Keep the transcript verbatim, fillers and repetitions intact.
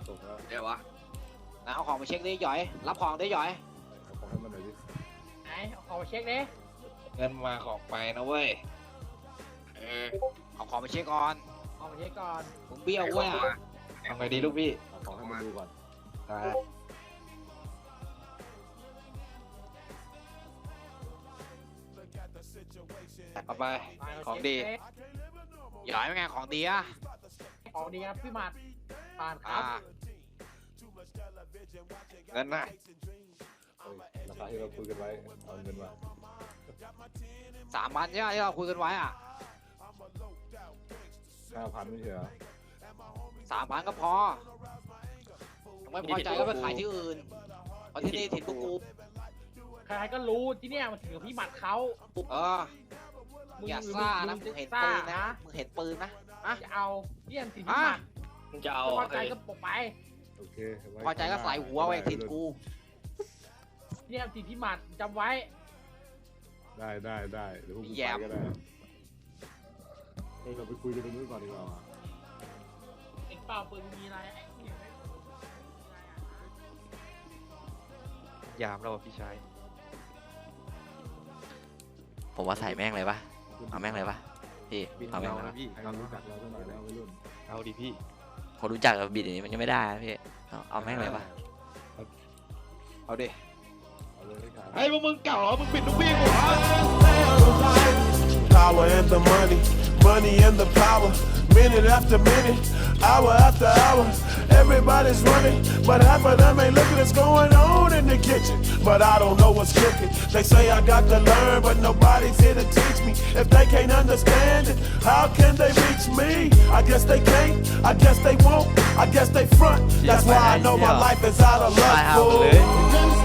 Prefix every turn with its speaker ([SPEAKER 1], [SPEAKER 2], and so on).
[SPEAKER 1] ส่งแล้ว
[SPEAKER 2] เดี๋ยววะ
[SPEAKER 3] นะเอาของมาเช็คดิหยอยรับของดิหยอย
[SPEAKER 1] เอาของให้มันหน่อยดิ
[SPEAKER 4] ไหนเอาของมาเช็คดิ
[SPEAKER 2] เงินมาของไปนะเว้ยเออ
[SPEAKER 3] เอาของมาเช็คก่อน
[SPEAKER 4] เอามาเช็คก่อน
[SPEAKER 3] มึงเบี้ยวเว้ย
[SPEAKER 2] เอาไงดีลูกพี่
[SPEAKER 1] เอาของให้มันดูก่อน
[SPEAKER 2] ได้เอาไป
[SPEAKER 4] ไปเรา
[SPEAKER 2] ของ
[SPEAKER 4] เช็ค
[SPEAKER 2] ดี
[SPEAKER 4] เช็ค
[SPEAKER 3] หยอยเป็นไงของดีอะ
[SPEAKER 4] ของดีครับพี่หมัดผ่านค
[SPEAKER 3] อ่า
[SPEAKER 4] รับ
[SPEAKER 2] เงินน่ะ
[SPEAKER 1] เฮ้ยราคาที่เราคุยกันไว้เอาเงินมา
[SPEAKER 3] สามพันใช่ไหมที่เราคุยกันไว้อ่ะ
[SPEAKER 1] ห้าพันไม่ใช่เหรอ
[SPEAKER 3] สามพันก็พอยังไม่พอใจก็ไปขายที่อื่นเพราะที่นี่ถิ่นพวกกู
[SPEAKER 4] ใครๆก็รู้ที่เนี่ยมันถึงกับพี่หมัดเขา
[SPEAKER 3] เออมึงอย่าซ่านะมึงเห็นปืนนะมึงเห็นปืนนะอะ
[SPEAKER 4] จะเอาเนี่ยถึงพี่หมัด
[SPEAKER 2] มึงจะเอา
[SPEAKER 4] ไม่พอใจก็ปกไป
[SPEAKER 1] โอเคไว้
[SPEAKER 3] พอใจก็ใส่หัวไว้ถิ่นกู
[SPEAKER 4] เนี่ยถึงพี่หมัดจำไว้
[SPEAKER 1] ได้ได้ได้เดี๋ยวพวกกู
[SPEAKER 3] แย
[SPEAKER 1] ไป
[SPEAKER 3] ม
[SPEAKER 1] ก็ได้เฮ้ยเราไปคุยกันตรงนู้นก่อนดีกว่า
[SPEAKER 4] เอ็งเปล่าปืนมีอะไรไอ้เนี่ยไม่มีอะไรอ่ะ
[SPEAKER 2] ยามแล้วพี่ชาย
[SPEAKER 5] ผมว่าใส่แม่งเลยปะเอาแม่งเลยปะพี่เอาแม่งเลยปะ
[SPEAKER 2] พี่
[SPEAKER 1] ให้มันรู้จักเราสักหน่อยแล้ววัยรุ่น
[SPEAKER 2] เอาดิพี่
[SPEAKER 5] คนรู้จักกับบิดอย่างนี้มันยังไม่ได้นะพี่เอาเอาแม่งเลยปะ
[SPEAKER 2] เอาดิ
[SPEAKER 1] เอาเลยให้ขาย
[SPEAKER 2] ไอ้พวกมึงเก่าเหรอมึงปิดลูกพี่กูเหรอ
[SPEAKER 6] Power and the money, money and the power. Minute after minute, hour after hour. Everybody's running, but half of them ain't looking what's going on in the kitchen. But I don't know what's cooking. They say I got to learn, but nobody's here to teach me. If they can't understand it, how can they reach me? I guess they can't, I guess they won't, I guess they front. That's why I know my life is out of luck, fool.